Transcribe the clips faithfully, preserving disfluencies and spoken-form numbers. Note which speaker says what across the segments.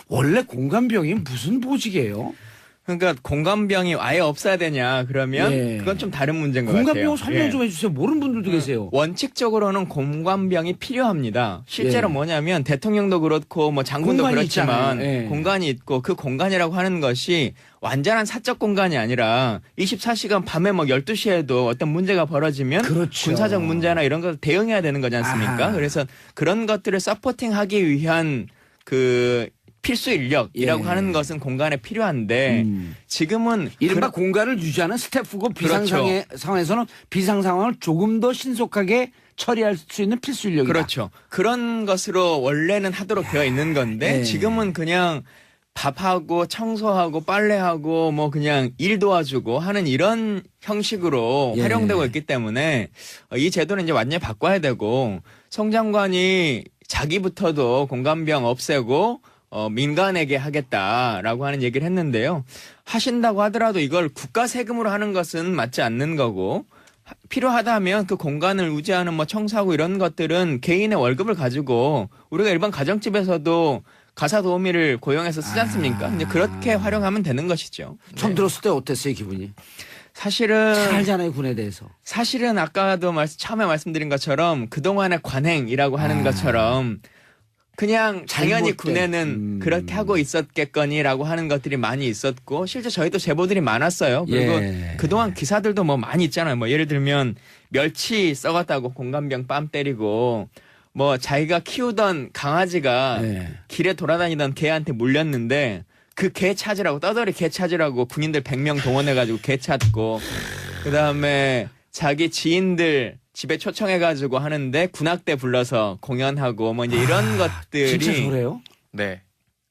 Speaker 1: 원래 공감병이 무슨 보직이에요?
Speaker 2: 그러니까 공감병이 아예 없어야 되냐 그러면
Speaker 1: 예.
Speaker 2: 그건 좀 다른 문제인 것 같아요.
Speaker 1: 공감병 설명
Speaker 2: 예.
Speaker 1: 좀 해주세요. 모르는 분들도 계세요.
Speaker 2: 원칙적으로는 공감병이 필요합니다. 실제로
Speaker 1: 예.
Speaker 2: 뭐냐면 대통령도 그렇고 뭐 장군도
Speaker 1: 공간이
Speaker 2: 그렇지만
Speaker 1: 있잖아요. 예.
Speaker 2: 공간이 있고 그 공간이라고 하는 것이 완전한 사적 공간이 아니라 이십사 시간 밤에 뭐 열두 시에도 어떤 문제가 벌어지면
Speaker 1: 그렇죠.
Speaker 2: 군사적 문제나 이런 걸 대응해야 되는 거지 않습니까?
Speaker 1: 아하.
Speaker 2: 그래서 그런 것들을 서포팅하기 위한 그 필수 인력이라고
Speaker 1: 예.
Speaker 2: 하는 것은 공간에 필요한데
Speaker 1: 음.
Speaker 2: 지금은
Speaker 1: 이른바
Speaker 2: 그-
Speaker 1: 공간을 유지하는 스태프고 비상
Speaker 2: 그렇죠.
Speaker 1: 상황에, 상황에서는 비상 상황을 조금 더 신속하게 처리할 수 있는 필수 인력이다.
Speaker 2: 그렇죠. 그런 것으로 원래는 하도록 되어 있는 건데
Speaker 1: 예.
Speaker 2: 지금은 그냥 밥하고 청소하고 빨래하고 뭐 그냥 일 도와주고 하는 이런 형식으로
Speaker 1: 예.
Speaker 2: 활용되고 있기 때문에 이 제도는 이제 완전히 바꿔야 되고 송 장관이 자기부터도 공감병 없애고 어, 민간에게 하겠다라고 하는 얘기를 했는데요. 하신다고 하더라도 이걸 국가 세금으로 하는 것은 맞지 않는 거고 하- 필요하다면 그 공간을 유지하는 뭐 청소하고 이런 것들은 개인의 월급을 가지고 우리가 일반 가정집에서도 가사 도우미를 고용해서 쓰지 않습니까?
Speaker 1: 아.
Speaker 2: 근데 그렇게 활용하면 되는 것이죠.
Speaker 1: 처음 들었을 때 어땠어요, 기분이?
Speaker 2: 사실은
Speaker 1: 잘 알잖아요, 군에 대해서.
Speaker 2: 사실은 아까도 말씀, 처음에 말씀드린 것처럼 그동안의 관행이라고 하는
Speaker 1: 아.
Speaker 2: 것처럼 그냥 당연히
Speaker 1: 잘못된,
Speaker 2: 군에는
Speaker 1: 음.
Speaker 2: 그렇게 하고 있었겠거니라고 하는 것들이 많이 있었고 실제 저희도 제보들이 많았어요. 그리고
Speaker 1: 예.
Speaker 2: 그동안 기사들도 뭐 많이 있잖아요. 뭐 예를 들면 멸치 썩었다고 공감병 뺨 때리고 뭐 자기가 키우던 강아지가
Speaker 1: 예.
Speaker 2: 길에 돌아다니던 개한테 물렸는데 그 개 찾으라고 떠돌이 개 찾으라고 군인들 백 명 동원해가지고 개 찾고 그다음에 자기 지인들 집에 초청해가지고 하는데 군악대 불러서 공연하고 뭐 이제 이런 것들이
Speaker 1: 진짜 저래요?
Speaker 3: 네.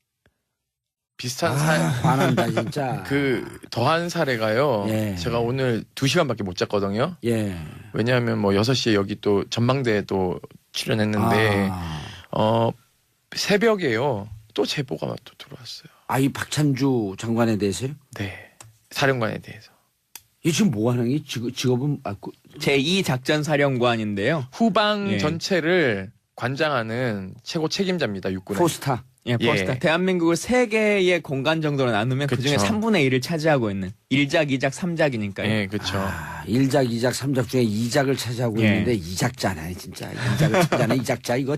Speaker 3: 비슷한
Speaker 1: 아,
Speaker 3: 사,
Speaker 1: 화난다, 진짜.
Speaker 3: 그 더한 사례가요.
Speaker 1: 예.
Speaker 3: 제가 오늘 두 시간밖에 못 잤거든요.
Speaker 1: 예.
Speaker 3: 왜냐하면 뭐 여섯 시에 여기 또 전망대에 또 출연했는데
Speaker 1: 아,
Speaker 3: 어 새벽에요. 또 제보가 또 들어왔어요.
Speaker 1: 아, 이 박찬주 장관에 대해서요?
Speaker 3: 네. 사령관에 대해서.
Speaker 1: 이 지금 뭐 하는 게 직업, 직업은 아, 그-
Speaker 2: 제이 작전사령관인데요.
Speaker 3: 후방
Speaker 2: 예.
Speaker 3: 전체를 관장하는 최고 책임자입니다. 육군의.
Speaker 1: 포스타.
Speaker 2: 예, 포스타.
Speaker 3: 예.
Speaker 2: 대한민국을 세 개의 공간 정도로 나누면 그 중에
Speaker 3: 그쵸.
Speaker 2: 삼분의 일을 차지하고 있는 일 작, 이 작, 삼 작이니까요.
Speaker 3: 예, 그렇죠.
Speaker 1: 아, 일 작, 이 작, 삼 작 중에 이 작을 차지하고
Speaker 2: 예.
Speaker 1: 있는데 이 작자네, 진짜. 이 작을 차지하는 이 작자, 이거.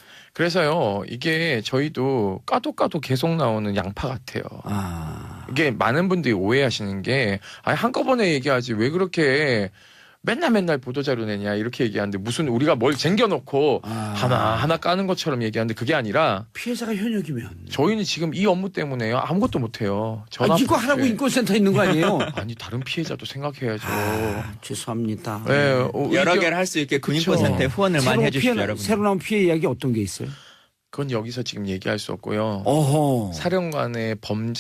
Speaker 3: 그래서요. 이게 저희도 까도 까도 계속 나오는 양파 같아요.
Speaker 1: 아,
Speaker 3: 이게 많은 분들이 오해하시는 게 아니 한꺼번에 얘기하지 왜 그렇게 맨날 맨날 보도자료 내냐 이렇게 얘기하는데 무슨 우리가 뭘 쟁겨놓고
Speaker 1: 아.
Speaker 3: 하나 하나 까는 것처럼 얘기하는데 그게 아니라
Speaker 1: 피해자가 현역이면.
Speaker 3: 저희는 지금 이 업무 때문에요 아무것도 못해요. 전화
Speaker 1: 아, 이거 하라고
Speaker 3: 예.
Speaker 1: 인권센터 있는 거 아니에요?
Speaker 3: 아니 다른 피해자도 생각해야죠.
Speaker 1: 아, 죄송합니다.
Speaker 3: 예, 어,
Speaker 2: 여러
Speaker 3: 의견-
Speaker 2: 개를 할 수 있게
Speaker 3: 그쵸.
Speaker 2: 군인권센터에 후원을 많이
Speaker 1: 새로
Speaker 2: 해주십시오,
Speaker 1: 피해,
Speaker 2: 여러분.
Speaker 1: 새로 나온 피해 이야기 어떤 게 있어요?
Speaker 3: 그건 여기서 지금 얘기할 수 없고요.
Speaker 1: 어허.
Speaker 3: 사령관의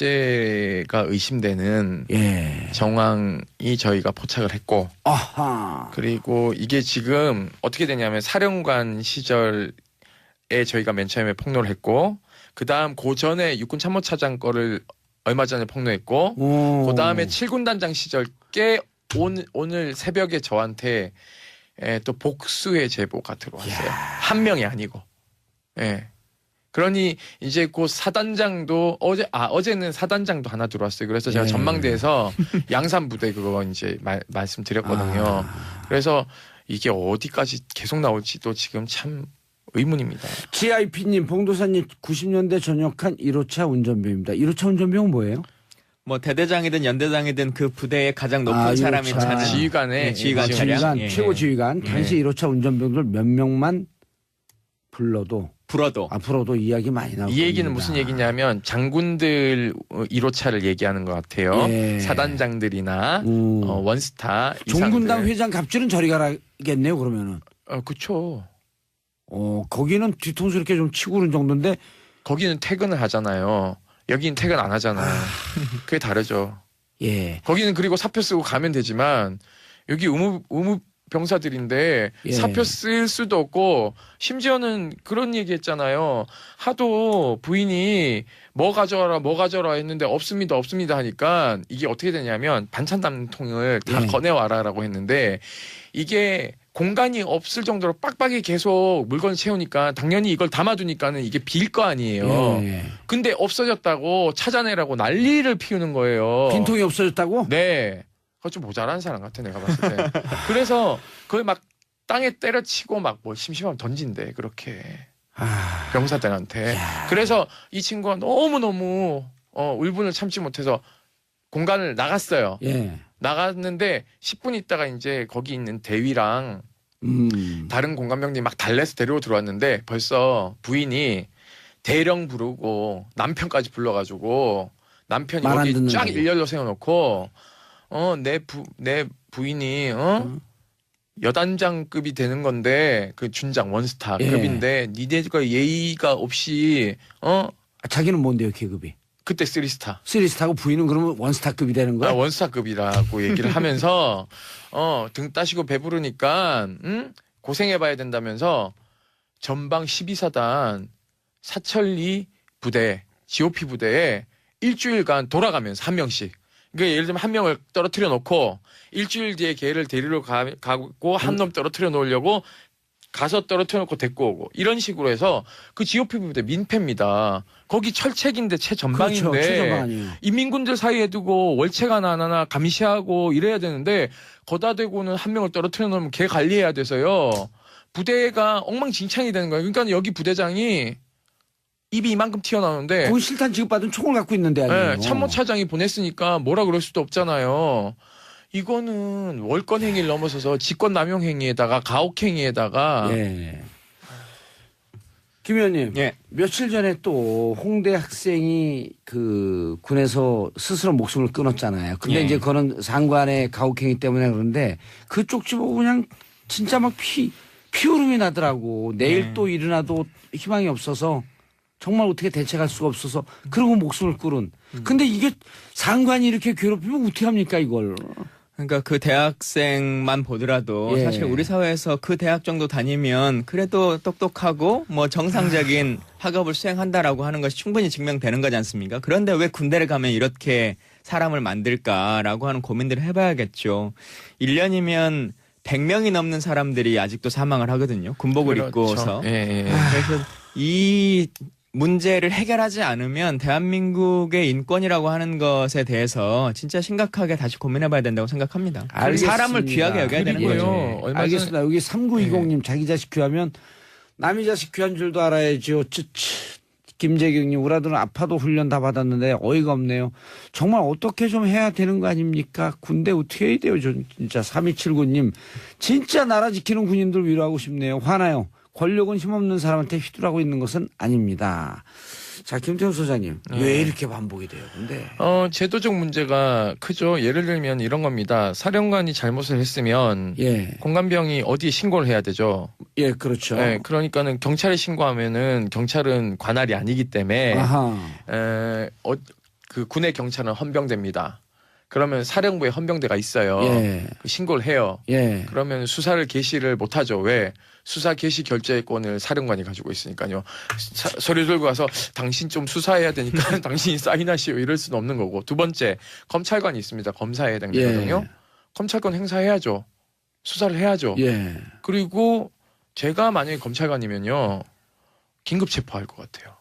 Speaker 3: 범죄가 의심되는
Speaker 1: 예.
Speaker 3: 정황이 저희가 포착을 했고
Speaker 1: 아하.
Speaker 3: 그리고 이게 지금 어떻게 되냐면 사령관 시절에 저희가 맨 처음에 폭로를 했고 그 다음 그 전에 육군 참모차장 거를 얼마 전에 폭로했고
Speaker 1: 오.
Speaker 3: 그 다음에 칠 군 단장 시절 께 오늘, 오늘 새벽에 저한테 에, 또 복수의 제보가 들어왔어요. 한 명이 아니고. 예. 그러니 이제 그 사단장도 어제 아 어제는 사단장도 하나 들어왔어요. 그래서 제가
Speaker 1: 예.
Speaker 3: 전망대에서 양산 부대 그거 이제 말, 말씀드렸거든요.
Speaker 1: 아.
Speaker 3: 그래서 이게 어디까지 계속 나올지도 지금 참 의문입니다.
Speaker 1: 지아이피님, 봉도사님 구십 년대 전역한 일 호차 운전병입니다. 일 호차 운전병은 뭐예요?
Speaker 2: 뭐 대대장이든 연대장이든 그 부대의 가장 높은
Speaker 1: 아,
Speaker 2: 사람이
Speaker 1: 이호차.
Speaker 2: 차는
Speaker 3: 지휘관의
Speaker 2: 예, 지휘관
Speaker 3: 지휘관,
Speaker 2: 차량.
Speaker 1: 지휘관,
Speaker 2: 예,
Speaker 1: 최고
Speaker 2: 예.
Speaker 1: 지휘관,
Speaker 2: 예.
Speaker 1: 당시 일 호차 운전병들 몇 명만 불러도
Speaker 2: 불어도
Speaker 1: 앞으로도 이야기 많이 나올
Speaker 3: 이 얘기는
Speaker 1: 겁니다.
Speaker 3: 무슨 얘기냐면 장군들 일 호차를 얘기하는 것 같아요.
Speaker 1: 예.
Speaker 3: 사단장들이나
Speaker 1: 음.
Speaker 3: 어, 원스타
Speaker 1: 종군당
Speaker 3: 이상들.
Speaker 1: 회장 갑질은 저리 가라겠네요. 그러면은
Speaker 3: 어, 그쵸.
Speaker 1: 어 거기는 뒤통수 이렇게 좀 치고 그런 정도인데
Speaker 3: 거기는 퇴근을 하잖아요. 여기는 퇴근 안 하잖아요. 그게 다르죠.
Speaker 1: 예.
Speaker 3: 거기는 그리고 사표 쓰고 가면 되지만 여기 의무 의무 병사들인데
Speaker 1: 예.
Speaker 3: 사표 쓸 수도 없고 심지어는 그런 얘기했잖아요. 하도 부인이 뭐 가져와라 뭐 가져와라 했는데 없습니다 없습니다 하니까 이게 어떻게 되냐면 반찬 담는 통을 다
Speaker 1: 예.
Speaker 3: 꺼내와라라고 했는데 이게 공간이 없을 정도로 빡빡이 계속 물건을 채우니까 당연히 이걸 담아두니까는 이게 빌 거 아니에요.
Speaker 1: 예.
Speaker 3: 근데 없어졌다고 찾아내라고 난리를 피우는 거예요.
Speaker 1: 빈통이 없어졌다고?
Speaker 3: 네. 그거 좀 모자란 사람 같아 내가 봤을 때. 그래서 그걸 막 땅에 때려치고 막 뭐 심심하면 던진대 그렇게
Speaker 1: 아,
Speaker 3: 병사들한테.
Speaker 1: 야.
Speaker 3: 그래서 이 친구가 너무 너무 어, 울분을 참지 못해서 공간을 나갔어요.
Speaker 1: 예.
Speaker 3: 나갔는데 십 분 있다가 이제 거기 있는 대위랑
Speaker 1: 음.
Speaker 3: 다른 공감병들이 막 달래서 데리고 들어왔는데 벌써 부인이 대령 부르고 남편까지 불러가지고 남편이
Speaker 1: 말안
Speaker 3: 여기
Speaker 1: 듣는다고.
Speaker 3: 쫙 일렬로 세워놓고 어 내 부 내 부인이 어
Speaker 1: 음.
Speaker 3: 여단장급이 되는 건데 그 준장 원스타급인데 니네가 예의가 없이 어
Speaker 1: 아, 자기는 뭔데요, 계급이?
Speaker 3: 그때 쓰리스타
Speaker 1: 쓰리스타고 부인은 그러면 원스타급이 되는 거야?
Speaker 3: 아, 원스타급이라고 얘기를 하면서 어 등 따시고 배부르니까 응? 고생해봐야 된다면서 전방 십이 사단 사천리 부대 지오피 부대에 일주일간 돌아가면서 한 명씩 그러니까 예를 들면 한 명을 떨어뜨려 놓고 일주일 뒤에 걔를 데리러 가, 가고 한 놈 떨어뜨려 놓으려고 가서 떨어뜨려 놓고 데리고 오고 이런 식으로 해서 그 지오피 부대 민폐입니다. 거기 철책인데 최전방인데
Speaker 1: 그렇죠. 최전방 아니에요.
Speaker 3: 인민군들 사이에 두고 월책 하나 하나 감시하고 이래야 되는데 거다 대고는 한 명을 떨어뜨려 놓으면 걔 관리해야 돼서요. 부대가 엉망진창이 되는 거예요. 그러니까 여기 부대장이 입이 이만큼 튀어나오는데
Speaker 1: 그건 실탄 지급받은 총을 갖고 있는데 아니에요.
Speaker 3: 네, 참모차장이 보냈으니까 뭐라 그럴 수도 없잖아요. 이거는 월권 행위를 넘어서서 직권남용 행위에다가 가혹 행위에다가
Speaker 1: 예. 김 의원님,
Speaker 2: 예.
Speaker 1: 며칠 전에 또 홍대 학생이 그 군에서 스스로 목숨을 끊었잖아요. 근데
Speaker 2: 예.
Speaker 1: 이제 그거는 상관의 가혹행위 때문에 그런데 그 쪽지 보고 그냥 진짜 막 피, 피오름이 나더라고. 내일
Speaker 2: 예.
Speaker 1: 또 일어나도 희망이 없어서 정말 어떻게 대책할 수가 없어서 그러고 목숨을 끊은. 근데 이게 상관이 이렇게 괴롭히면 어떻게 합니까 이걸.
Speaker 2: 그러니까 그 대학생만 보더라도
Speaker 1: 예.
Speaker 2: 사실 우리 사회에서 그 대학 정도 다니면 그래도 똑똑하고 뭐 정상적인 학업을 수행한다라고 하는 것이 충분히 증명되는 거지 않습니까? 그런데 왜 군대를 가면 이렇게 사람을 만들까라고 하는 고민들을 해봐야겠죠. 일 년이면 백 명이 넘는 사람들이 아직도 사망을 하거든요. 군복을
Speaker 3: 그렇죠.
Speaker 2: 입고서.
Speaker 3: 예, 예.
Speaker 2: 그래서 이 문제를 해결하지 않으면 대한민국의 인권이라고 하는 것에 대해서 진짜 심각하게 다시 고민해봐야 된다고 생각합니다.
Speaker 1: 알겠습니다.
Speaker 2: 사람을 귀하게 여겨야 되는
Speaker 3: 그리고요.
Speaker 2: 거죠.
Speaker 3: 얼마
Speaker 1: 알겠습니다. 여기 삼구이공님 자기 자식 귀하면 남의 자식 귀한 줄도 알아야죠. 쯔쯔. 김재경님 우리 아들은 아파도 훈련 다 받았는데 어이가 없네요. 정말 어떻게 좀 해야 되는 거 아닙니까? 군대 어떻게 해야 돼요? 전 진짜 삼이칠구님 진짜 나라 지키는 군인들 위로하고 싶네요. 화나요. 권력은 힘없는 사람한테 휘둘하고 있는 것은 아닙니다. 자, 김태훈 소장님
Speaker 3: 네.
Speaker 1: 왜 이렇게 반복이 돼요? 근데
Speaker 3: 어, 제도적 문제가 크죠. 예를 들면 이런 겁니다. 사령관이 잘못을 했으면
Speaker 1: 예,
Speaker 3: 공감병이 어디에 신고를 해야 되죠.
Speaker 1: 예, 그렇죠.
Speaker 3: 네, 그러니까는 경찰에 신고하면은 경찰은 관할이 아니기 때문에
Speaker 1: 아하,
Speaker 3: 에, 어, 그 군의 경찰은 헌병대입니다. 그러면 사령부에 헌병대가 있어요.
Speaker 1: 예,
Speaker 3: 그 신고를 해요.
Speaker 1: 예.
Speaker 3: 그러면 수사를 개시를 못하죠. 왜? 수사 개시 결재권을 사령관이 가지고 있으니까요. 사, 서류 들고 가서 당신 좀 수사해야 되니까 당신이 사인하시오 이럴 수는 없는 거고. 두 번째 검찰관이 있습니다. 검사에 해당되거든요.
Speaker 1: 예.
Speaker 3: 검찰권 행사해야죠. 수사를 해야죠.
Speaker 1: 예.
Speaker 3: 그리고 제가 만약에 검찰관이면요. 긴급 체포할 것 같아요.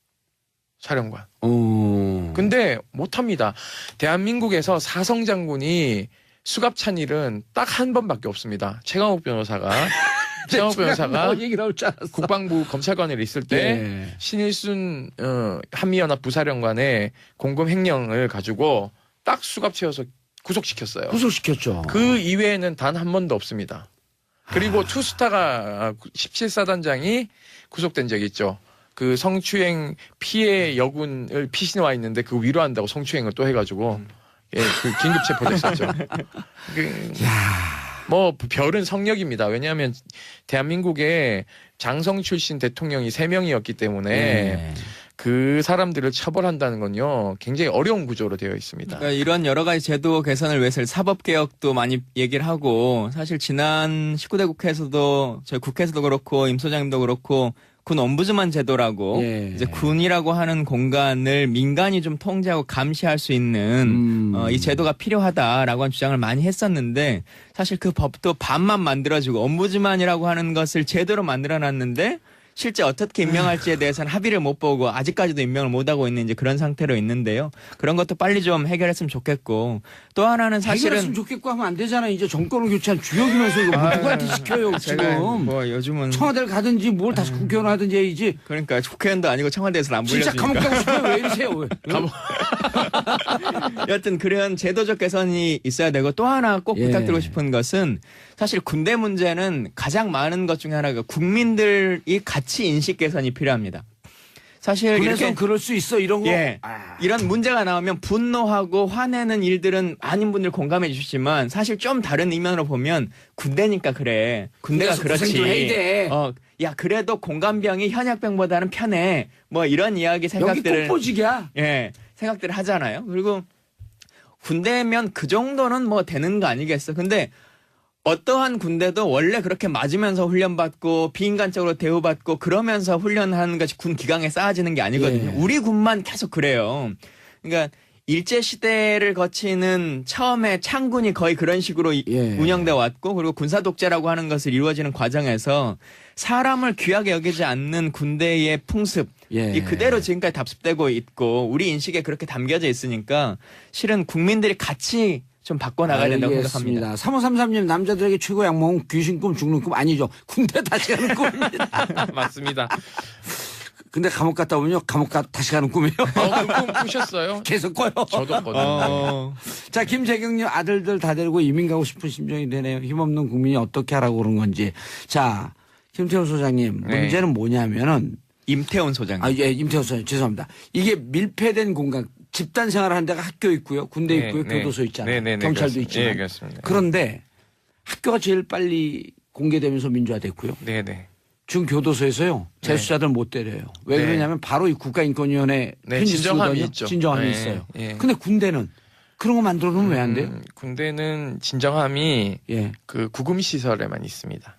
Speaker 3: 사령관.
Speaker 1: 어.
Speaker 3: 근데 못합니다. 대한민국에서 사성 장군이 수갑찬 일은 딱 한 번밖에 없습니다. 최강욱 변호사가 최강욱 변호사가
Speaker 1: 뭐 얘기 나올 줄 알았어.
Speaker 3: 국방부 검찰관에 있을 때
Speaker 1: 예.
Speaker 3: 신일순 어, 한미연합 부사령관의 공금 횡령을 가지고 딱 수갑 채워서 구속시켰어요.
Speaker 1: 구속시켰죠.
Speaker 3: 그 이외에는 단 한 번도 없습니다. 그리고
Speaker 1: 아.
Speaker 3: 투스타가 십칠 사단장이 구속된 적이 있죠. 그 성추행 피해 여군을 피신해 와 있는데 그 위로한다고 성추행을 또 해가지고 예, 그 긴급 체포됐었죠. 그, 뭐 별은 성역입니다. 왜냐하면 대한민국에 장성 출신 대통령이 세 명이었기 때문에
Speaker 1: 예.
Speaker 3: 그 사람들을 처벌한다는 건요 굉장히 어려운 구조로 되어 있습니다.
Speaker 2: 그러니까 이런 여러 가지 제도 개선을 위해서 사법개혁도 많이 얘기를 하고 사실 지난 십구 대 국회에서도 저희 국회에서도 그렇고 임 소장님도 그렇고 군 엄부즈만 제도라고
Speaker 1: 예.
Speaker 2: 이제 군이라고 하는 공간을 민간이 좀 통제하고 감시할 수 있는
Speaker 1: 음.
Speaker 2: 어, 이 제도가 필요하다라고 하는 주장을 많이 했었는데 사실 그 법도 반만 만들어지고 엄부즈만이라고 하는 것을 제대로 만들어놨는데 실제 어떻게 임명할지에 대해서는 합의를 못 보고 아직까지도 임명을 못 하고 있는 이제 그런 상태로 있는데요. 그런 것도 빨리 좀 해결했으면 좋겠고 또 하나는
Speaker 1: 해결했으면
Speaker 2: 사실은
Speaker 1: 좋겠고 하면 안 되잖아. 이제 정권을 교체한 주역이면서 이거 뭐 누구한테 시켜요
Speaker 2: 제가
Speaker 1: 지금.
Speaker 2: 뭐 요즘은
Speaker 1: 청와대를 가든지 뭘 다시 국회의원 하든지 해야지.
Speaker 2: 그러니까 국회의원도 아니고 청와대에서는 안
Speaker 1: 진짜 감옥
Speaker 2: 불려주니까.
Speaker 1: 가고 싶어요. 왜 이러세요? 왜?
Speaker 3: 감옥.
Speaker 2: 여튼 그런 제도적 개선이 있어야 되고 또 하나 꼭
Speaker 1: 예.
Speaker 2: 부탁드리고 싶은 것은 사실 군대 문제는 가장 많은 것 중에 하나가 국민들이 가치 인식 개선이 필요합니다. 사실
Speaker 1: 군에서
Speaker 2: 이렇게
Speaker 1: 그럴 수 있어 이런 거.
Speaker 2: 예.
Speaker 1: 아.
Speaker 2: 이런 문제가 나오면 분노하고 화내는 일들은 많은 분들 공감해 주시지만 사실 좀 다른 이면으로 보면 군대니까 그래. 군대가
Speaker 1: 군대에서 고생 좀 해야
Speaker 2: 그렇지.
Speaker 1: 돼.
Speaker 2: 어, 야 그래도 공감병이 현역병보다는 편해. 뭐 이런 이야기
Speaker 1: 여기
Speaker 2: 생각들을
Speaker 1: 꽃보직이야.
Speaker 2: 예, 생각들을 하잖아요. 그리고 군대면 그 정도는 뭐 되는 거 아니겠어. 근데 어떠한 군대도 원래 그렇게 맞으면서 훈련받고 비인간적으로 대우받고 그러면서 훈련하는 것이 군 기강에 쌓아지는 게 아니거든요.
Speaker 1: 예.
Speaker 2: 우리 군만 계속 그래요. 그러니까 일제시대를 거치는 처음에 창군이 거의 그런 식으로 이-
Speaker 1: 예.
Speaker 2: 운영돼 왔고 그리고 군사독재라고 하는 것을 이루어지는 과정에서 사람을 귀하게 여기지 않는 군대의 풍습
Speaker 1: 예.
Speaker 2: 이 그대로 지금까지 답습되고 있고 우리 인식에 그렇게 담겨져 있으니까 실은 국민들이 같이 좀 바꿔나가야 된다고 생각합니다.
Speaker 1: 알겠습니다. 삼오삼삼 님 남자들에게 최고 약몽은 귀신 꿈 죽는 꿈 아니죠. 군대 다시 가는 꿈입니다.
Speaker 3: 맞습니다.
Speaker 1: 근데 감옥 갔다 오면요. 감옥 가, 다시 가는 꿈이에요.
Speaker 3: 어, 그꿈 꾸셨어요?
Speaker 1: 계속 꿔요.
Speaker 3: 저도 거든요.
Speaker 2: 어,
Speaker 1: 자, 김재경님 아들들 다 데리고 이민 가고 싶은 심정이 되네요. 힘없는 국민이 어떻게 하라고 그런 건지. 자, 김태훈 소장님
Speaker 3: 네.
Speaker 1: 문제는 뭐냐면은
Speaker 2: 임태훈 소장님.
Speaker 1: 아, 예, 임태훈 소장님 죄송합니다. 이게 밀폐된 공간 집단 생활하는 데가 학교 있고요. 군대
Speaker 3: 네,
Speaker 1: 있고요.
Speaker 3: 네.
Speaker 1: 교도소 있잖아요.
Speaker 3: 네, 네, 네,
Speaker 1: 경찰도
Speaker 3: 그렇습니다.
Speaker 1: 있지만.
Speaker 3: 예, 그렇습니다.
Speaker 1: 그런데 학교가 제일 빨리 공개되면서 민주화됐고요.
Speaker 3: 네, 네.
Speaker 1: 지금 교도소에서요. 재수자들 못 때려요. 왜
Speaker 3: 네.
Speaker 1: 그러냐면 바로 이 국가인권위원회
Speaker 3: 네,
Speaker 1: 편지
Speaker 3: 진정함이
Speaker 1: 쓰거든요.
Speaker 3: 있죠.
Speaker 1: 진정함이
Speaker 3: 네,
Speaker 1: 있어요.
Speaker 3: 예.
Speaker 1: 근데 군대는 그런 거 만들어 놓으면 왜 안 돼요?
Speaker 3: 음, 군대는 진정함이
Speaker 1: 예.
Speaker 3: 그 구금 시설에만 있습니다.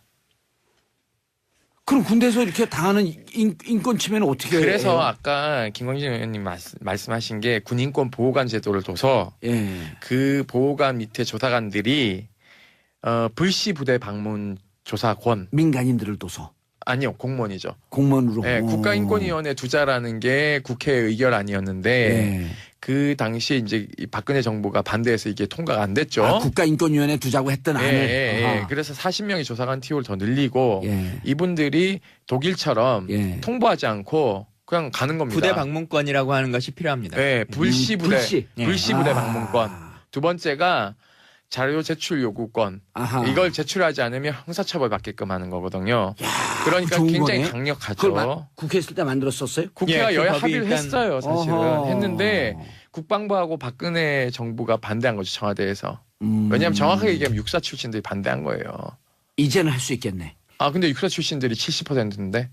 Speaker 1: 그럼 군대에서 이렇게 당하는 인, 인권 침해는 어떻게
Speaker 3: 그래서
Speaker 1: 해요?
Speaker 3: 아까 김광진 의원님 말씀, 말씀하신 게 군인권 보호관 제도를 둬서
Speaker 1: 예.
Speaker 3: 그 보호관 밑에 조사관들이 어, 불시 부대 방문 조사권
Speaker 1: 민간인들을 둬서
Speaker 3: 아니요 공무원이죠.
Speaker 1: 공무원으로.
Speaker 3: 네,
Speaker 1: 어.
Speaker 3: 국가인권위원회 두자라는 게 국회 의결안이었는데
Speaker 1: 예.
Speaker 3: 그 당시에 이제 이 박근혜 정부가 반대해서 이게 통과가 안 됐죠.
Speaker 1: 아, 국가인권위원회 두자고 했던
Speaker 3: 예,
Speaker 1: 안을.
Speaker 3: 예, 예.
Speaker 1: 아하.
Speaker 3: 그래서 사십 명의 조사관 티오를 더 늘리고
Speaker 1: 예.
Speaker 3: 이분들이 독일처럼
Speaker 1: 예.
Speaker 3: 통보하지 않고 그냥 가는 겁니다.
Speaker 2: 부대 방문권이라고 하는 것이 필요합니다.
Speaker 3: 네, 불시
Speaker 1: 음,
Speaker 3: 부대,
Speaker 1: 불시.
Speaker 2: 예.
Speaker 3: 불시 부대
Speaker 1: 아.
Speaker 3: 방문권. 두 번째가 자료 제출 요구권.
Speaker 1: 아하.
Speaker 3: 이걸 제출하지 않으면 형사처벌 받게끔 하는 거거든요. 그러니까
Speaker 1: 좋은
Speaker 3: 굉장히
Speaker 1: 거네.
Speaker 3: 강력하죠.
Speaker 1: 그걸 마, 국회 있을 때 만들었었어요?
Speaker 3: 국회가
Speaker 2: 예, 그
Speaker 3: 여야
Speaker 2: 법이
Speaker 3: 합의를
Speaker 2: 일단-
Speaker 3: 했어요, 사실은.
Speaker 1: 어허.
Speaker 3: 했는데 국방부하고 박근혜 정부가 반대한 거죠, 청와대에서.
Speaker 1: 음.
Speaker 3: 왜냐하면 정확하게 얘기하면 육사 출신들이 반대한 거예요.
Speaker 1: 이제는 할 수 있겠네.
Speaker 3: 아, 근데 육사 출신들이 칠십 퍼센트인데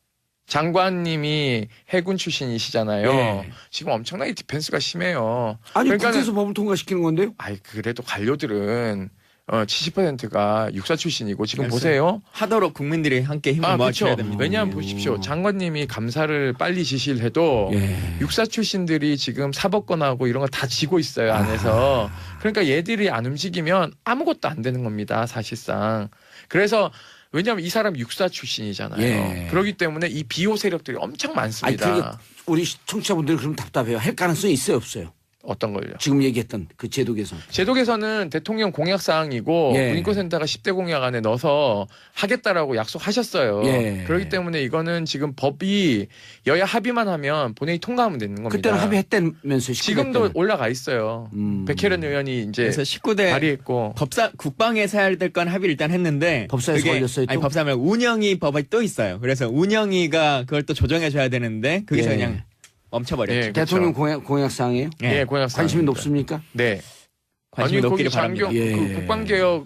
Speaker 3: 장관님이 해군 출신이시잖아요.
Speaker 1: 예.
Speaker 3: 지금 엄청나게 디펜스가 심해요.
Speaker 1: 아니
Speaker 3: 그러니까는-
Speaker 1: 국회에서 법을 통과시키는 건데요?
Speaker 3: 아이, 그래도 관료들은 어, 칠십 퍼센트가 육사 출신이고 지금
Speaker 2: 그래서-
Speaker 3: 보세요.
Speaker 2: 하도록 국민들이 함께 힘을
Speaker 3: 아,
Speaker 2: 모아줘야
Speaker 3: 그렇죠.
Speaker 2: 됩니다.
Speaker 3: 왜냐하면 보십시오. 장관님이 감사를 빨리 지시를 해도
Speaker 1: 예.
Speaker 3: 육사 출신들이 지금 사법권하고 이런 거 다 지고 있어요, 안에서. 그러니까 얘들이 안 움직이면 아무것도 안 되는 겁니다, 사실상. 그래서 왜냐하면 이 사람 육사 출신이잖아요.
Speaker 1: 예.
Speaker 3: 그렇기 때문에 이 비호 세력들이 엄청
Speaker 1: 아니
Speaker 3: 많습니다.
Speaker 1: 그게 우리 청취자분들이 그럼 답답해요. 할 가능성이 있어요, 없어요?
Speaker 3: 어떤 걸요?
Speaker 1: 지금 얘기했던 그 제도 개선.
Speaker 3: 제도 개선은 대통령 공약 사항이고
Speaker 1: 예.
Speaker 3: 군인권센터가 십 대 공약 안에 넣어서 하겠다라고 약속하셨어요.
Speaker 1: 예.
Speaker 3: 그렇기 때문에 이거는 지금 법이 여야 합의만 하면 본회의 통과하면 되는 겁니다.
Speaker 1: 그때는 합의했다면서요.
Speaker 3: 지금도 올라가 있어요.
Speaker 1: 음.
Speaker 3: 백혜련 의원이 이제
Speaker 2: 그래서 십구 대
Speaker 3: 발의했고
Speaker 2: 법사 국방에서 해야 될 건 합의를 일단 했는데
Speaker 1: 법사에서
Speaker 2: 그게-
Speaker 1: 걸렸어요, 또?
Speaker 2: 아니 법사 말고 운영위 법이 또 있어요. 그래서 운영위가 그걸 또 조정해 줘야 되는데 거기서
Speaker 1: 예.
Speaker 2: 그냥 멈춰버렸죠.
Speaker 3: 예.
Speaker 1: 대통령
Speaker 3: 그렇죠.
Speaker 1: 공약 공약 사항이에요?
Speaker 3: 예, 공약
Speaker 1: 관심이
Speaker 3: 사항입니다.
Speaker 1: 높습니까?
Speaker 3: 네.
Speaker 2: 관심이
Speaker 3: 아니,
Speaker 2: 높기를
Speaker 3: 거기
Speaker 2: 바랍니다.
Speaker 3: 장교,
Speaker 1: 예.
Speaker 3: 그 국방개혁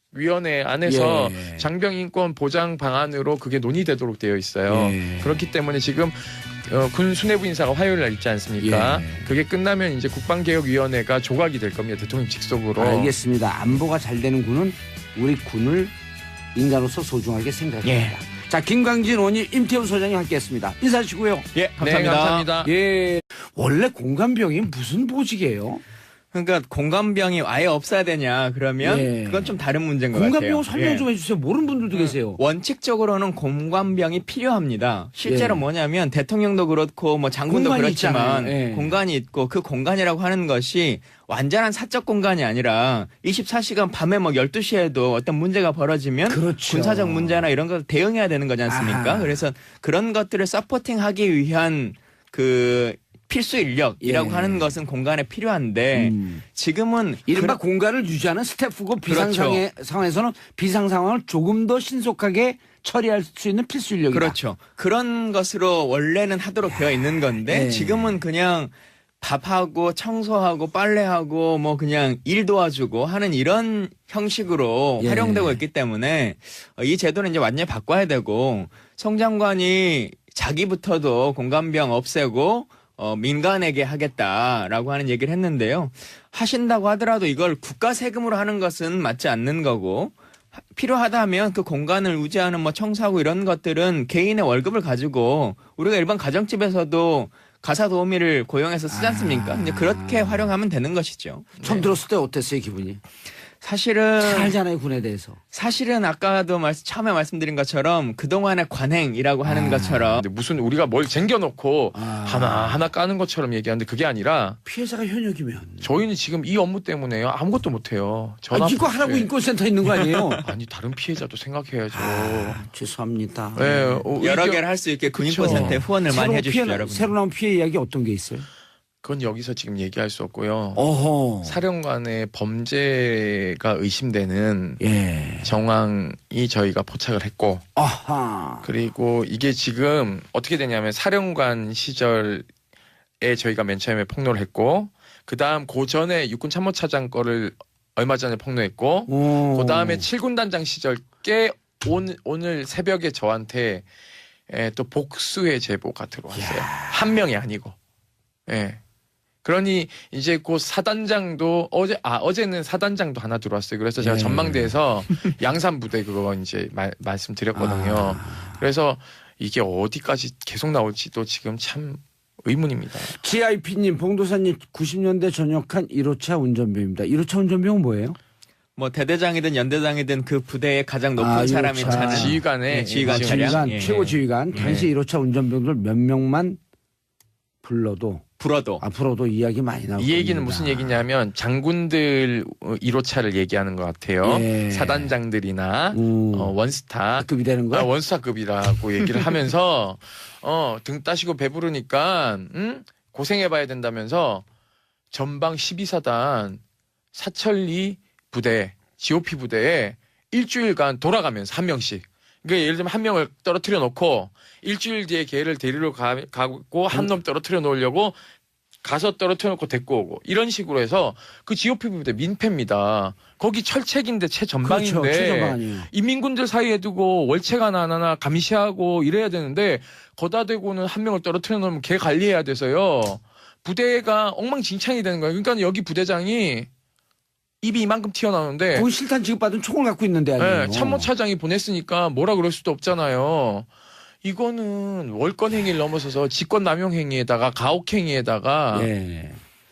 Speaker 3: 위원회 안에서
Speaker 1: 예.
Speaker 3: 장병 인권 보장 방안으로 그게 논의되도록 되어 있어요.
Speaker 1: 예.
Speaker 3: 그렇기 때문에 지금 어, 군 수뇌부 인사가 화요일 날 있지 않습니까?
Speaker 1: 예.
Speaker 3: 그게 끝나면 이제 국방개혁위원회가 조각이 될 겁니다. 대통령 직속으로.
Speaker 1: 알겠습니다. 안보가 잘 되는 군은 우리 군을 인간으로서 소중하게 생각합니다.
Speaker 2: 예.
Speaker 1: 자, 김광진 의원님, 임태우 소장님 함께했습니다. 인사하시고요.
Speaker 2: 예, 감사합니다.
Speaker 3: 네, 감사합니다.
Speaker 1: 예. 원래 공감병이 무슨 보직이에요?
Speaker 2: 그러니까 공감병이 아예 없어야 되냐 그러면
Speaker 1: 예.
Speaker 2: 그건 좀 다른 문제인 것 같아요.
Speaker 1: 공감병 설명
Speaker 2: 예.
Speaker 1: 좀 해주세요. 모르는 분들도 계세요.
Speaker 2: 원칙적으로는 공감병이 필요합니다. 실제로
Speaker 1: 예.
Speaker 2: 뭐냐면 대통령도 그렇고 뭐 장군도
Speaker 1: 공간이
Speaker 2: 그렇지만
Speaker 1: 있잖아요. 예.
Speaker 2: 공간이 있고 그 공간이라고 하는 것이 완전한 사적 공간이 아니라 이십사 시간 밤에 뭐 열두 시에도 어떤 문제가 벌어지면
Speaker 1: 그렇죠.
Speaker 2: 군사적 문제나 이런 걸 대응해야 되는 거지 않습니까?
Speaker 1: 아하.
Speaker 2: 그래서 그런 것들을 서포팅하기 위한 그 필수 인력이라고
Speaker 1: 예.
Speaker 2: 하는 것은 공간에 필요한데
Speaker 1: 음.
Speaker 2: 지금은
Speaker 1: 이른바
Speaker 2: 그-
Speaker 1: 공간을 유지하는 스태프고 비상
Speaker 2: 그렇죠.
Speaker 1: 상황에, 상황에서는 비상 상황을 조금 더 신속하게 처리할 수 있는 필수 인력이다.
Speaker 2: 그렇죠. 그런 것으로 원래는 하도록 되어 있는 건데
Speaker 1: 예.
Speaker 2: 지금은 그냥 밥하고 청소하고 빨래하고 뭐 그냥 일 도와주고 하는 이런 형식으로
Speaker 1: 예.
Speaker 2: 활용되고 있기 때문에 이 제도는 이제 완전히 바꿔야 되고 송 장관이 자기부터도 공감병 없애고 어, 민간에게 하겠다라고 하는 얘기를 했는데요. 하신다고 하더라도 이걸 국가 세금으로 하는 것은 맞지 않는 거고 하- 필요하다면 그 공간을 유지하는 뭐 청소하고 이런 것들은 개인의 월급을 가지고 우리가 일반 가정집에서도 가사 도우미를 고용해서 쓰지 않습니까?
Speaker 1: 아.
Speaker 2: 이제 그렇게 활용하면 되는 것이죠.
Speaker 1: 처음 들었을 때 어땠어요, 기분이?
Speaker 2: 사실은
Speaker 1: 잘 알잖아요, 군에 대해서.
Speaker 2: 사실은 아까도 말씀, 처음에 말씀드린 것처럼 그동안의 관행이라고 하는
Speaker 1: 아.
Speaker 2: 것처럼
Speaker 3: 근데 무슨 우리가 뭘 쟁겨놓고
Speaker 1: 아.
Speaker 3: 하나 하나 까는 것처럼 얘기하는데 그게 아니라
Speaker 1: 피해자가 현역이면.
Speaker 3: 저희는 지금 이 업무 때문에 아무것도 못해요.
Speaker 1: 아,
Speaker 3: 전화
Speaker 1: 이거 하라고
Speaker 3: 예.
Speaker 1: 인권센터 있는 거 아니에요?
Speaker 3: 아니 다른 피해자도 생각해야죠.
Speaker 1: 아, 죄송합니다.
Speaker 3: 예, 어,
Speaker 2: 여러
Speaker 3: 의견-
Speaker 2: 개를 할 수 있게
Speaker 3: 그쵸.
Speaker 2: 군인권센터에 후원을 많이
Speaker 1: 새로
Speaker 2: 해주십시오,
Speaker 1: 피해,
Speaker 2: 여러분.
Speaker 1: 새로 나온 피해 이야기 어떤 게 있어요?
Speaker 3: 그건 여기서 지금 얘기할 수 없고요.
Speaker 1: 어허.
Speaker 3: 사령관의 범죄가 의심되는
Speaker 1: 예.
Speaker 3: 정황이 저희가 포착을 했고
Speaker 1: 아하.
Speaker 3: 그리고 이게 지금 어떻게 되냐면 사령관 시절에 저희가 맨 처음에 폭로를 했고 그 다음 그 전에 육군 참모차장 거를 얼마 전에 폭로했고
Speaker 1: 오.
Speaker 3: 그 다음에 칠군 단장 시절 꽤 오늘, 오늘 새벽에 저한테 에, 또 복수의 제보가 들어왔어요. 한 명이 아니고. 예. 그러니 이제 그 사단장도 어제 아 어제는 사단장도 하나 들어왔어요. 그래서 제가
Speaker 1: 예.
Speaker 3: 전망대에서 양산 부대 그거 이제 말, 말씀드렸거든요.
Speaker 1: 아.
Speaker 3: 그래서 이게 어디까지 계속 나올지도 지금 참 의문입니다.
Speaker 1: 지아이피님, 봉도사님 구십 년대 전역한 일 호차 운전병입니다. 일 호차 운전병은 뭐예요?
Speaker 2: 뭐 대대장이든 연대장이든 그 부대의 가장 높은
Speaker 1: 아,
Speaker 2: 사람이
Speaker 1: 유차.
Speaker 2: 차는
Speaker 3: 지휘관의
Speaker 2: 예, 지휘관
Speaker 3: 지휘관,
Speaker 2: 차량
Speaker 1: 지휘관,
Speaker 2: 예.
Speaker 1: 최고 지휘관.
Speaker 3: 예.
Speaker 1: 당시 일 호차 운전병들 몇 명만 불러도
Speaker 2: 불어도
Speaker 1: 앞으로도 이야기 많이 나올
Speaker 3: 이 얘기는
Speaker 1: 겁니다.
Speaker 3: 무슨 얘기냐면 장군들 일 호차를 얘기하는 것 같아요.
Speaker 1: 예.
Speaker 3: 사단장들이나
Speaker 1: 음.
Speaker 3: 어, 원스타
Speaker 1: 급이 되는 거야?
Speaker 3: 아, 원스타급이라고 얘기를 하면서 어, 등 따시고 배부르니까 응? 고생해봐야 된다면서 전방 십이 사단 사천리 부대 지오피 부대에 일주일간 돌아가면서 한 명씩 그러니까 예를 들면 한 명을 떨어뜨려 놓고 일주일 뒤에 걔를 데리러 가, 가고 한 놈 떨어뜨려 놓으려고 가서 떨어뜨려 놓고 데리고 오고 이런 식으로 해서 그 지오피 부대 민폐입니다. 거기 철책인데 최전방인데
Speaker 1: 그렇죠. 최전방 아니에요.
Speaker 3: 인민군들 사이에 두고 월책 하나 하나 감시하고 이래야 되는데 거다 대고는 한 명을 떨어뜨려 놓으면 걔 관리해야 돼서요. 부대가 엉망진창이 되는 거예요. 그러니까 여기 부대장이 입이 이만큼 튀어나오는데
Speaker 1: 거기 실탄 지급받은 총을 갖고 있는데 아니에요.
Speaker 3: 네, 참모차장이 보냈으니까 뭐라 그럴 수도 없잖아요. 이거는 월권 행위를 넘어서서 직권 남용 행위에다가 가혹 행위에다가
Speaker 1: 예.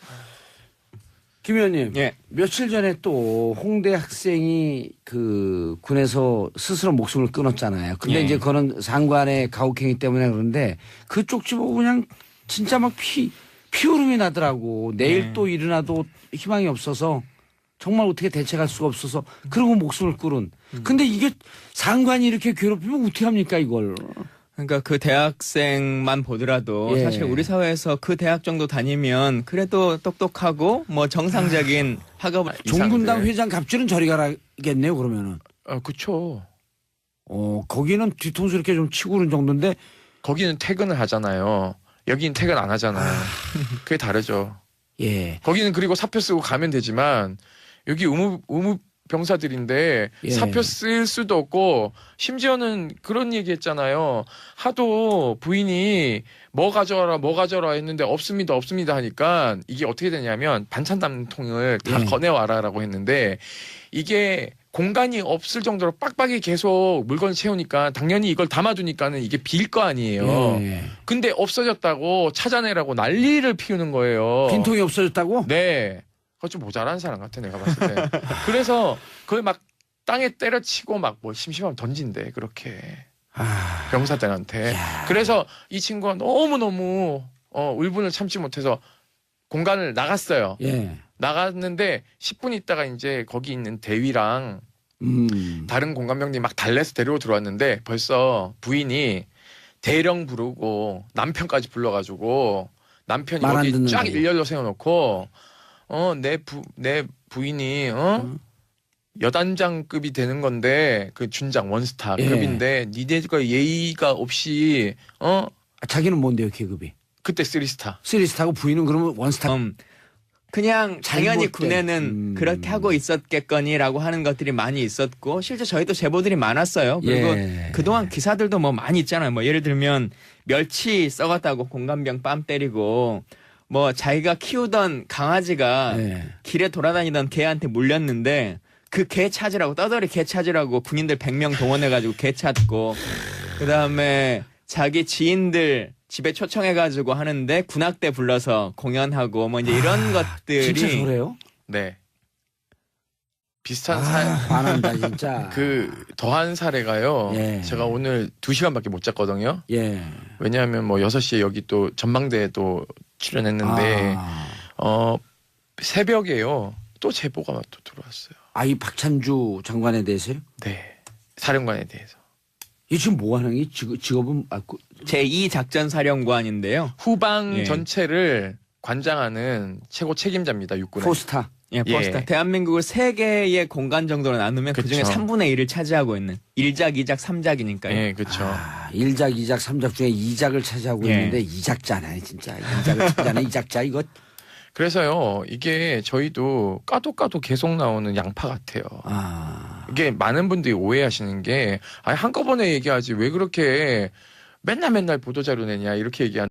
Speaker 1: 김 의원님,
Speaker 2: 예.
Speaker 1: 며칠 전에 또 홍대 학생이 그 군에서 스스로 목숨을 끊었잖아요. 근데
Speaker 2: 예.
Speaker 1: 이제 그거는 상관의 가혹행위 때문에 그런데 그쪽 집 보고 그냥 진짜 막 피, 피오름이 나더라고. 내일
Speaker 2: 예.
Speaker 1: 또 일어나도 희망이 없어서 정말 어떻게 대책할 수가 없어서 그러고 목숨을 끊은. 근데 이게 상관이 이렇게 괴롭히면 어떻게 합니까 이걸.
Speaker 2: 그러니까 그 대학생만 보더라도
Speaker 1: 예.
Speaker 2: 사실 우리 사회에서 그 대학 정도 다니면 그래도 똑똑하고 뭐 정상적인 학업을
Speaker 1: 종군당
Speaker 3: 이상한데.
Speaker 1: 회장 갑질은 저리 가라겠네요 그러면은.
Speaker 3: 어, 그쵸.
Speaker 1: 어 거기는 뒤통수 이렇게 좀 치고 그런 정도인데
Speaker 3: 거기는 퇴근을 하잖아요. 여기는 퇴근 안 하잖아요. 그게 다르죠.
Speaker 1: 예.
Speaker 3: 거기는 그리고 사표 쓰고 가면 되지만 여기 의무 의무 병사들인데
Speaker 1: 예.
Speaker 3: 사표 쓸 수도 없고 심지어는 그런 얘기했잖아요. 하도 부인이 뭐 가져와라 뭐 가져와라 했는데 없습니다 없습니다 하니까 이게 어떻게 되냐면 반찬 담는 통을 다
Speaker 1: 예.
Speaker 3: 꺼내와라라고 했는데 이게 공간이 없을 정도로 빡빡이 계속 물건을 채우니까 당연히 이걸 담아두니까는 이게 빌 거 아니에요.
Speaker 1: 예.
Speaker 3: 근데 없어졌다고 찾아내라고 난리를 피우는 거예요.
Speaker 1: 빈통이 없어졌다고?
Speaker 3: 네. 그거 좀 모자란 사람 같아 내가 봤을 때. 그래서 그걸 막 땅에 때려치고 막 뭐 심심하면 던진대 그렇게
Speaker 1: 아,
Speaker 3: 병사들한테.
Speaker 1: 야.
Speaker 3: 그래서 이 친구가 너무 너무 어, 울분을 참지 못해서 공간을 나갔어요.
Speaker 1: 예.
Speaker 3: 나갔는데 십 분 있다가 이제 거기 있는 대위랑
Speaker 1: 음.
Speaker 3: 다른 공간병들이 막 달래서 데리고 들어왔는데 벌써 부인이 대령 부르고 남편까지 불러가지고 남편이
Speaker 1: 말안
Speaker 3: 거기
Speaker 1: 듣는
Speaker 3: 쫙
Speaker 1: 거예요.
Speaker 3: 일렬로 세워놓고 어 내 부 내 부인이 어
Speaker 1: 음.
Speaker 3: 여단장급이 되는 건데 그 준장 원스타급인데 니네가 예의가 없이 어
Speaker 1: 아, 자기는 뭔데요, 계급이?
Speaker 3: 그때 쓰리스타
Speaker 1: 쓰리스타고 부인은 그러면 원스타.
Speaker 2: 음, 그냥 당연히
Speaker 1: 잘못된,
Speaker 2: 군에는
Speaker 1: 음.
Speaker 2: 그렇게 하고 있었겠거니라고 하는 것들이 많이 있었고 실제 저희도 제보들이 많았어요. 그리고
Speaker 1: 예.
Speaker 2: 그동안 기사들도 뭐 많이 있잖아요. 뭐 예를 들면 멸치 썩었다고 공감병 뺨 때리고 뭐 자기가 키우던 강아지가
Speaker 1: 예.
Speaker 2: 길에 돌아다니던 개한테 물렸는데 그 개 찾으라고 떠돌이 개 찾으라고 군인들 백 명 동원해가지고 개 찾고 그다음에 자기 지인들 집에 초청해가지고 하는데 군악대 불러서 공연하고 뭐 이제 이런 것들이
Speaker 1: 진짜 저래요?
Speaker 3: 네 비슷한
Speaker 1: 아,
Speaker 3: 사
Speaker 1: 화난다 진짜.
Speaker 3: 그 더한 사례가요.
Speaker 1: 예.
Speaker 3: 제가 오늘 두 시간밖에 못 잤거든요.
Speaker 1: 예.
Speaker 3: 왜냐하면 뭐 여섯 시에 여기 또 전망대에 또 출연했는데
Speaker 1: 아,
Speaker 3: 어 새벽에요. 또 제보가 또 들어왔어요.
Speaker 1: 아이 박찬주 장관에 대해서요?
Speaker 3: 네. 사령관에 대해서.
Speaker 1: 이 지금 뭐 하는 게 직업, 직업은 아, 그,
Speaker 2: 제이 작전사령관인데요.
Speaker 3: 후방
Speaker 2: 예.
Speaker 3: 전체를 관장하는 최고 책임자입니다. 육군의.
Speaker 1: 포스타.
Speaker 2: 예, 포스타.
Speaker 3: 예.
Speaker 2: 대한민국을 세 개의 공간 정도로 나누면 그 중에
Speaker 3: 그쵸.
Speaker 2: 삼분의 일을 차지하고 있는 일작, 이작, 삼작이니까요.
Speaker 3: 예, 그렇죠.
Speaker 1: 아, 일작, 이작, 삼작 중에 이작을 차지하고
Speaker 2: 예.
Speaker 1: 있는데 이작자네 진짜. 이작을 차지하는 이작자 이거.
Speaker 3: 그래서요. 이게 저희도 까도 까도 계속 나오는 양파 같아요.
Speaker 1: 아,
Speaker 3: 이게 많은 분들이 오해하시는 게 아니 한꺼번에 얘기하지 왜 그렇게 맨날 맨날 보도자료 내냐 이렇게 얘기하는